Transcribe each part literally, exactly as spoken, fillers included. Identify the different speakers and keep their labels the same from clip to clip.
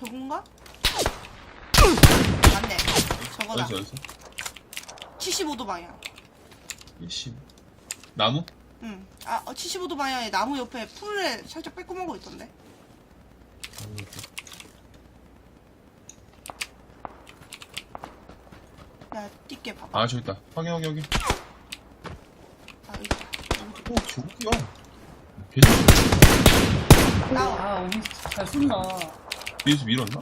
Speaker 1: 저건가? 맞네. 저거다.
Speaker 2: 어디서 어디서?
Speaker 1: 칠십오 도 방향.
Speaker 2: 이십. 나무?
Speaker 1: 응. 아, 어, 칠십오 도 방향에 나무 옆에 풀에 살짝 빼꼼한 거 있던데. 야, 띠게 봐봐.
Speaker 2: 아 저기 있다. 확인 확인 확인.
Speaker 1: 아, 여기 있다.
Speaker 2: 오 저기야. 계속
Speaker 1: 나와.
Speaker 3: 아, 언니 잘 쏜다.
Speaker 2: 뒤에서 밀었나?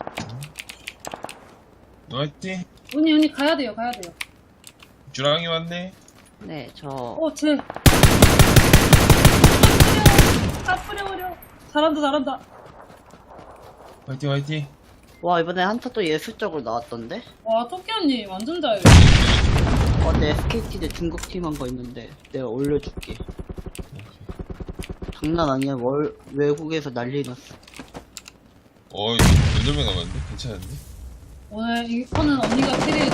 Speaker 2: 화이팅.
Speaker 3: 언니, 언니 가야 돼요, 가야 돼요.
Speaker 2: 주랑이 왔네.
Speaker 4: 네, 저
Speaker 3: 어, 쟤. 다 뿌려버려. 잘한다, 잘한다.
Speaker 2: 화이팅 화이팅.
Speaker 4: 와, 이번에 한타 또 예술적으로 나왔던데?
Speaker 3: 와, 토끼 언니 완전 잘해.
Speaker 4: 어, 내 에스케이티 대 중국 팀 한 거 있는데 내가 올려줄게. 장난 아니야. 월, 외국에서 난리 났어.
Speaker 2: 어이 여덟 명 남았는데? 괜찮은데?
Speaker 3: 오늘 이 거는 언니가 캐리해줘.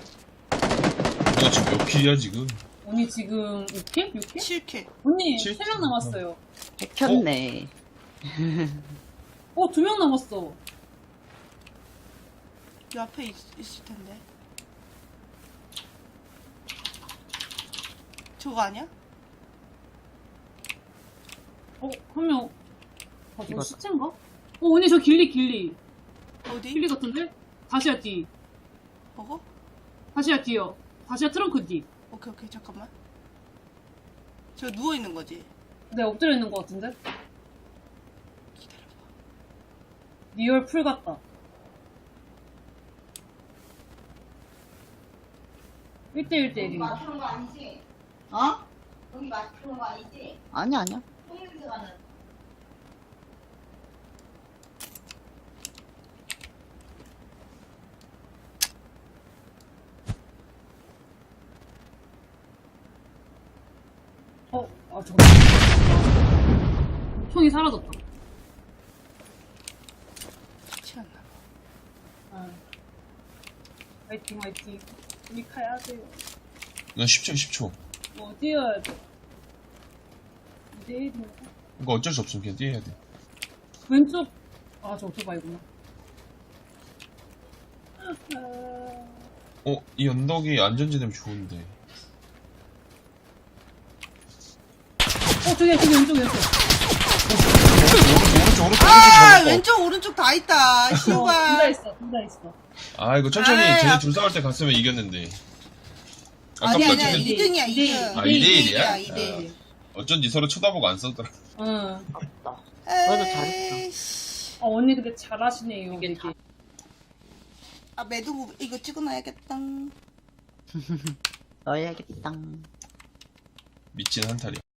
Speaker 2: 너 지금 몇 킬이야 지금?
Speaker 3: 언니 지금 육 킬? 육 킬?
Speaker 1: 칠 킬.
Speaker 3: 언니
Speaker 2: 칠
Speaker 3: 세 명 남았어요.
Speaker 4: 해켰네.
Speaker 3: 어, 두 명 남았어.
Speaker 1: 이 앞에 있, 있을 텐데. 저거 아니야?
Speaker 3: 어, 한 명. 아, 저
Speaker 4: 이거-
Speaker 3: 시체인가? 어, 언니 저 길리, 길리.
Speaker 1: 어디?
Speaker 3: 길리 같은데? 다시야 뒤.
Speaker 1: 저거?
Speaker 3: 다시야 뒤요. 다시야 트렁크 뒤.
Speaker 1: 오케이, 오케이, 잠깐만. 저 누워있는 거지?
Speaker 3: 네, 엎드려 있는 것 같은데?
Speaker 1: 기다려봐.
Speaker 3: 리얼 풀 같다. 일 대 일 대 일인가?
Speaker 5: 맞추는 거 아니지?
Speaker 4: 어?
Speaker 5: 여기 맞추는 거 아니지?
Speaker 4: 아니야, 아니야.
Speaker 5: 똥냄새 나는.
Speaker 3: 어, 아, 저거. 총이 사라졌다.
Speaker 1: 같이 안 나가.
Speaker 3: 아. 화이팅, 화이팅. 우리 가야 돼요.
Speaker 2: 넌 십 초 십 초.
Speaker 3: 뭐, 뛰어야 돼. 이대 일인가?
Speaker 2: 이거 어쩔 수 없어. 그냥 뛰어야 돼.
Speaker 3: 왼쪽, 아, 저 오토바이구나. 아,
Speaker 2: 어? 이 언덕이 안전지대면 좋은데.
Speaker 3: 어, 저기, 저기, 왼쪽, 왼쪽.
Speaker 2: 오른쪽 오른쪽
Speaker 1: 아,
Speaker 2: 오른쪽
Speaker 1: 왼쪽, 오른쪽 다 있다.
Speaker 3: 어, 둘 다
Speaker 1: 시우가.
Speaker 3: 있어, 둘 다 있어.
Speaker 2: 아 이거 천천히
Speaker 1: 아이,
Speaker 2: 쟤네
Speaker 1: 아-
Speaker 2: 둘 싸울 때 갔으면 이겼는데.
Speaker 1: 아니,
Speaker 2: 아깝다.
Speaker 1: 아니야.
Speaker 2: 쟤네
Speaker 1: 이 등이야, 이 등.
Speaker 2: 아, 이 대 일이야?
Speaker 1: 이 대 일.
Speaker 2: 어쩐지 서로 쳐다보고 안 싸우더라.
Speaker 3: 응.
Speaker 4: 아깝다. 그래도 잘했어.
Speaker 1: 에이씨.
Speaker 3: 아, 언니 근데 잘하시네요,
Speaker 4: 이게
Speaker 3: 되게.
Speaker 1: 아, 매듭 이거 찍어놔야겠다.
Speaker 4: 넣어야겠다.
Speaker 2: 미친 한타리.